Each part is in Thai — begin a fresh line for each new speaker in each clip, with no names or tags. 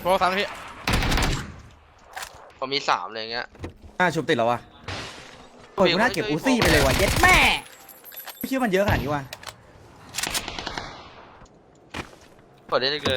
โปรสามพี่
ผมมี3เลยเงี้ย
ชุบติดแล้ววะโอ้ยกูน่าเก็บอูซี่ไปเลยว่ะเย็ดแม่ไม่คิดว่ามันเยอะขนาดนี้ว่ะ
กดได้เลย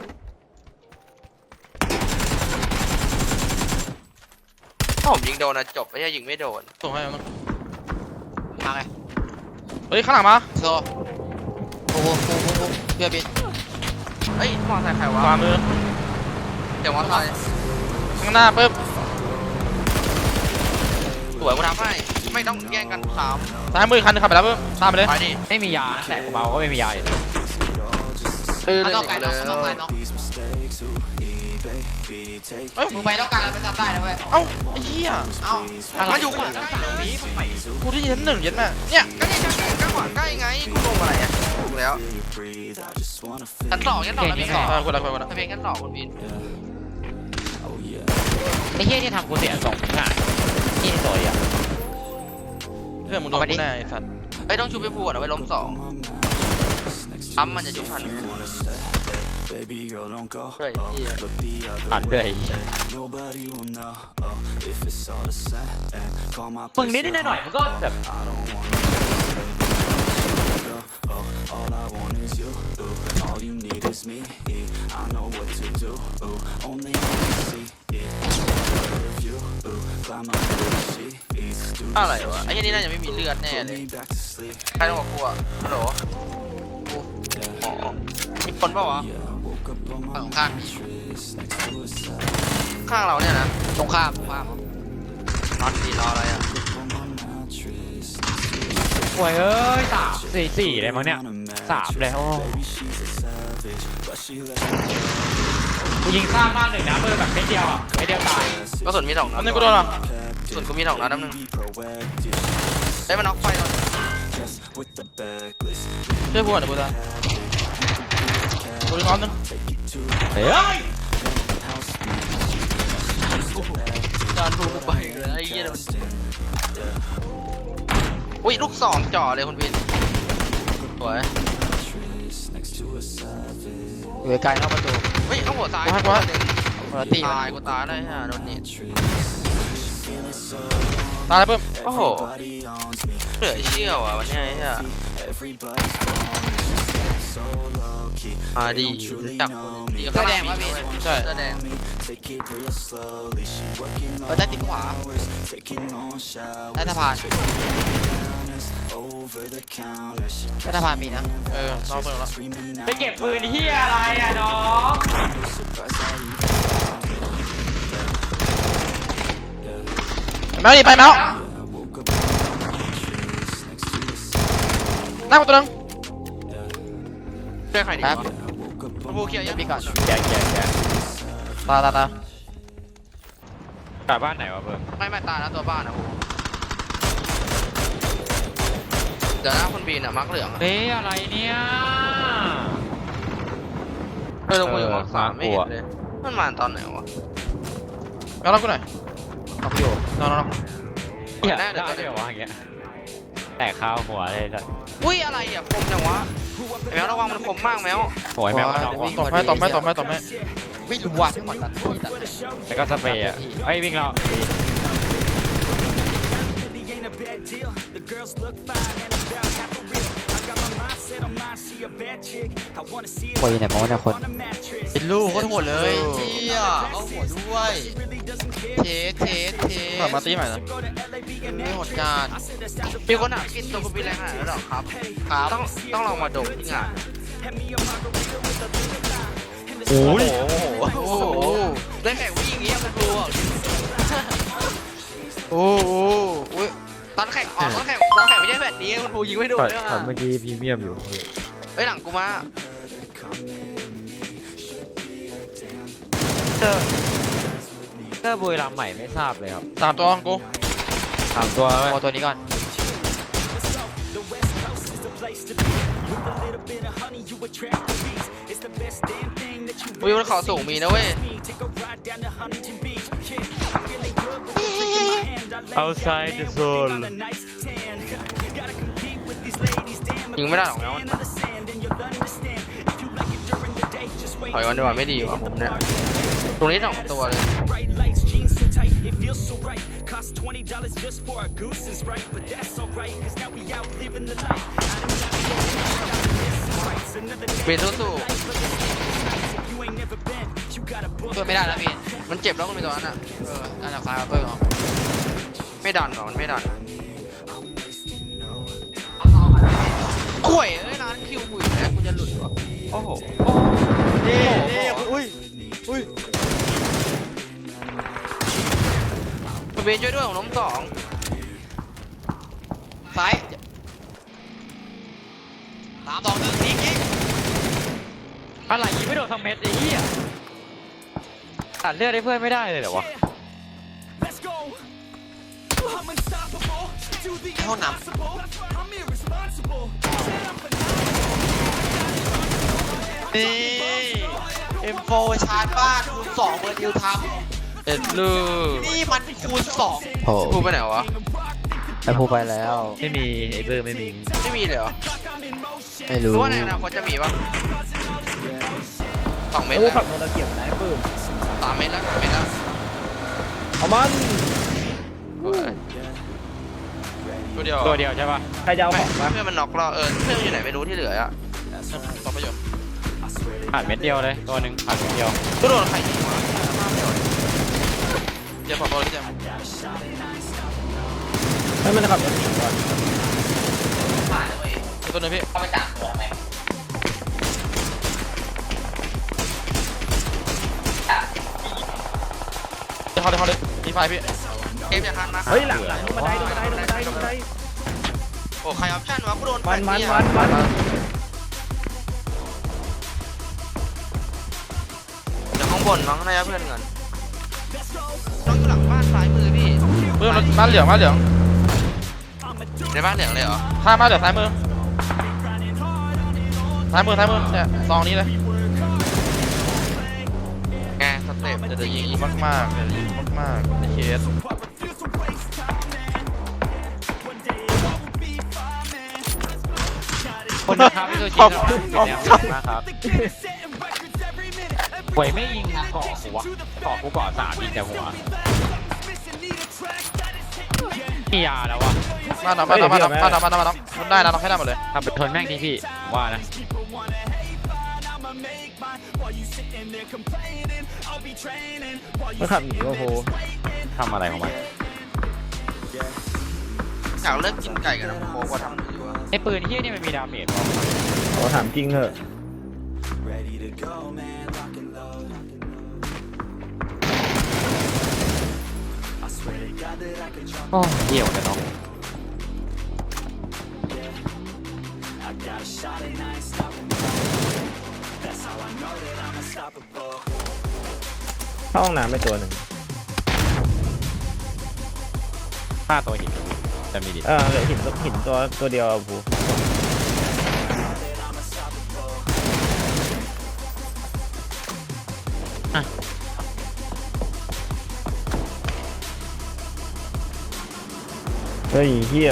ถ้าผมยิงโดนนะจบไม่ใช่ยิงไม่โดน
ส่งให้มัน
มาไง
เฮ้ยข้างหลังมา
โซ่โอ้โหเพื่อบิน
เฮ้ยมอไซค์ใครวะ
ขวามือ
เดี๋ยวมอไซค์
ข้างหน้าปึ๊บ
สวยกูทำให้ไม่ต้องแย่งกัน3
ซ้ายมือคันนึงขับไปแล้วปึ๊บตามไปเลย
ไปดิ
ไม่มียาแต่กูเบาก็ไม่มียาอยู่ต้องไกลน้องไกลน้องมึงไปต้องการแล้วไปทำได้นะเว้ย
เอ้าไอ้เหี้ย
เอ้า
มาอยู่ขวา
กูที่ชั้น1เย็นแม่เนี่ย
ก็นี่ก็ขวาใกล้ไงกูลงอะไรอ่ะถูกแล้วชั้น2ชั้น2แล้วมี2
กูละ
ทะเบียนชั้น2คุณบิน
ไอ้เหี้ยที่ทำกูเสีย2ง่ายนี่สวยอ่ะ
เรื่องมึงโดนแน่ไอ้สัตว์
เฮ้ยต้องชูไปพูดเอาไว้ล้ม2มันจะชุบทัน
ผ่านเลยมึงนิดหน่อยมันก็แบบ
อะไรวะไอ้นี่น่าจะไม่มีเลือดแน่เลยใครต้องบอกกูอ่ะฮัลโหลมีคนเปล่าวะ
ฝั่งข้าง
ข้างเราเนี่ยนะ
ตรงข้าม
นอนดีรออะไรอ่ะ
โอ้ยเอ้ย4เลยมั้งเนี่ย3เลยโอ้กูยิงข้ามบ้าน1นะเบอร์แบบไม่เดียวอ่ะไม่เดียวตาย
ก็ส่วนมี2นัด
นี่กูโดนหรอ
ส่วนกูมี2นัดนึงได้มาน็อกไฟแล้ว
ช่วยพูดหน่อยพูดได้กูดึงออฟนึง
เฮ้ย
การพูดไปเลยไอ้เหี้ยมันอุ้ยลูก2จ่อเลยคุณวินสวย
อยู่ไกลนอกประตู
เฮ้ยต้องหัวซ้าย
ตี
ตายกูตายได้ฮะโดนนี่
ตายแล้วปึ๊บ
โอ้โหเหลือเชี่ยวอ่ะวันนี้ไอ้เหี้ยดีจับดีก็แดงวะพี่
ใช่
แดง
ได้ติดขวาได้สะพานมีนะ
น้องเปิดแล้ว
ไปเก็บปืนที่อะไรอ่ะน้อง
แมวดิไปแมวนั่งตัวนึง
เชื่อใครดีวะบูเคียร์ยังมีก่อน
แก
ตาก
ลับบ้านไหนวะเบิร์
ไม่ตายแล้วตัวบ้านนะเดี๋ยวนะคนบีนอ่ะมักเหลือง
เฮ้ยอะไรเนี่ย
ลงมาอยู่มัก3ไม่เห็นเลยมันมาตอนไหนวะ
แล้วรับกูหน่อย
เอาอยู่
นอน
อย่าได้เดี๋ยววะอย่างเงี้ยแต่ข้าวหัวเลยสัส
อุ้ยอะไรอ่ะคมจังวะแมวระวังมันคมมากแมว
โอยแมว
ตบไหม
วิ่งรัวทั้งหมดตัดแล้วก็สเปรย์อ่ะไอ้วิ่งเราคนไหนมองเนี่ยคน
เป็นลูกโคตรโหดเลยเที่ยเอาหัวด้วยเท
มาตีใหม่นะ
ไม่โหดการมีคนหากินตัวกูมีแรงขนาดนั้นหรอครับต้องลองมาดมที่งาน
โอ้
โหได้แข่งวิ่งอย่างเงี้ยมันดูอ่ะโอ้ตอนแข่งไม่ใช่แบบนี้คุณภูยิงไม่โดนด้วยอ่ะ
เมื่อกี้พรีเมียมอยู่
เฮ้ยหลังกูมา
เตอร์บุยลำใหม่ไม่ทราบเลยครับ
3ตัวกู
3ตัวเอาตัวนี้ก่อน
วิวมันเขาสูงมีนะเว้ย
outside the zone
ยิงไม่ได้หรอกแล้วถอยวันดีกว่าไม่ดีว่ะผมเนี่ยตรงนี้สองตัวเลย เบนสู้
ช่วยไม่ได้แล้วพี่
ๆมันเจ็บแล้วก็มีตัวนั้นอ่ะ
น่าจะคล้ายกับเพิ่งเหรอ
ไม่ดันหรอมันไม่ดันข่วยเอ้ยร้านคิวกูอยู่แล้วกูจะหลุดวะ
โอ้โห
นี่
อุ้ยอุ้ย
เบนช่วยด้วยของล้มสอง
ซ้าย3-2-1ยิง
อะไรยิงไม่โดนสักเม็ดไอ้เหี้ยตัดเลือดให้เพื่อนไม่ได้เลยเหรอวะ
ห้องน้ นี่ M4 ชาร์จบ้านคูณ2เบอร์ดิวท
เอ็ดลู
ำนี่มันคูณ2
โอ้
พูดไปไหนวะ
ไอพูไปแล้ว
ไม่มีไอ้เบอร์ไม่มี
ไม่มีเลยเหรอ
ไม่รู้
รู้ว่าในอนาคตจะมีปะ2 เมตร
โอ้
แล้ว
ขับโมตะเกียบนะไอ้ปื้ม
3 เมตรแล้ว3 เมตรแล้ว
เอามัน
ตัวเดียว
ตัวเดียวใช่ปะ
ใครจะเอา
ไม่
ของวะ
เพื่อนมันน็อกเราเพื่อนอยู่ไหนไม่รู้ที่เหลืออะต่อประโยชน์
ผ่านเม็ดเดียวเลยตัวหนึ่งผ่านเม็ดเดียว
ก็โดนใครยิงวะเดี๋ยวขอตัวเลยเจม
ให้มันขับรถหนีก่อน
ตัวนึงพี่
เข้าไปจับตัวทำไม
เดี๋ยวเขาเลยมีไฟพี่เกมอย่าทันนะ
เฮ้ยหลังบันไดบันไดบันไดบันได
โอ้ใครออปชั่นวะกูโดน
มัน
เดี๋ยวข้างบนมั้งน่าจะเพื่อนกันต้องอยู่หลังบ้านซ้ายมือพี่
เพื่อนบ้านเหลืองบ้านเหลือง
ในบ้านเหลืองเลยเหรอ
ข้ามบ้านเหลืองซ้ายมือเนี่ยซองนี้เลย
ไงสเต็ป
เดี๋ยวจะยิงมากๆเดี๋ยวจะยิงมากๆในเคส
คนนะครับพี่ตัวจริงเราเป็นแนวมากครับหวยไม่ยิงเกาะหัวเกาะกูเกาะ3ยิงแต่หัวมียาแล้ววะ
บ้านน้ำมันได้นะน้องให้ได้หมดเลย
ทำเป็นทนแม่งดีพี่ผมว่านะ
มันขับหนีโอ้โห
ทำอะไรของมัน
อยากเลิกกินไก่กันนะโค้กว่าทำอยู่อะ
ไอ้ปืนที่นี่มันมีดาเมจป่ะ
ขอถามจริงเหอะ
โอ้เหี่ยวเลยน้อง
เข้าห้องน้ำไปตัวหนึ่ง
ฆ่าตัวหินจะมีดิ
เหลือหินตัวเดียวอะพูเฮ้ยเฮีย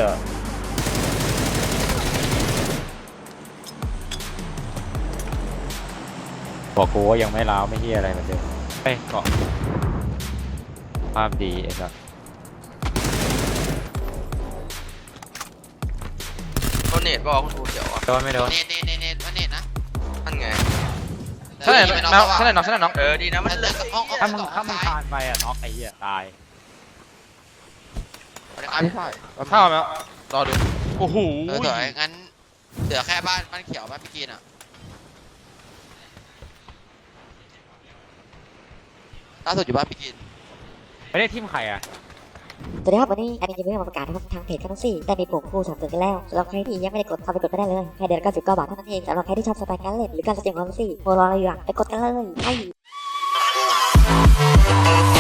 บอกกูว่ายังไม่ล้าวไม่เฮียอะไรเหมือนเดิมเอ้ยเกาะภาพดีไอ้สัส
โดนเนตบอกคุณครูเขียวอ่ะ
โดนไม่โดน
เนตมันเนตนะ
นั่นไง
ใช่ไหมน้องใช่ไหมน้อง
ดีนะมัน
เลิกกับห้อง
ถ้ามึงคานไปอ่ะน็อกไอ้เหี้ยตาย
เข้าไหมรอดูโอ้โห
ถอยงั้นเหลือแค่บ้านเขียวบ้านพี่กินอ่ะล่าสุดอยู่บ้านพี่กิน
ไม่ได้ทิมใครอ่ะ
สวัสดีครับวันนี้แอดมินจะเพิ่งมาประกาศนะครับทางเพจแคทซี่ได้มีปุ่มคู่สนับสนุนกันแล้วสำหรับใครที่ยังไม่ได้กดเข้าไปกดก็ได้เลยแค่เดือนละ99 บาทเท่านั้นเองสำหรับใครที่ชอบสไตล์การเล่นหรือการแสดงความรู้สึกโมรออะไรอยู่อะไปกดกันเลยไป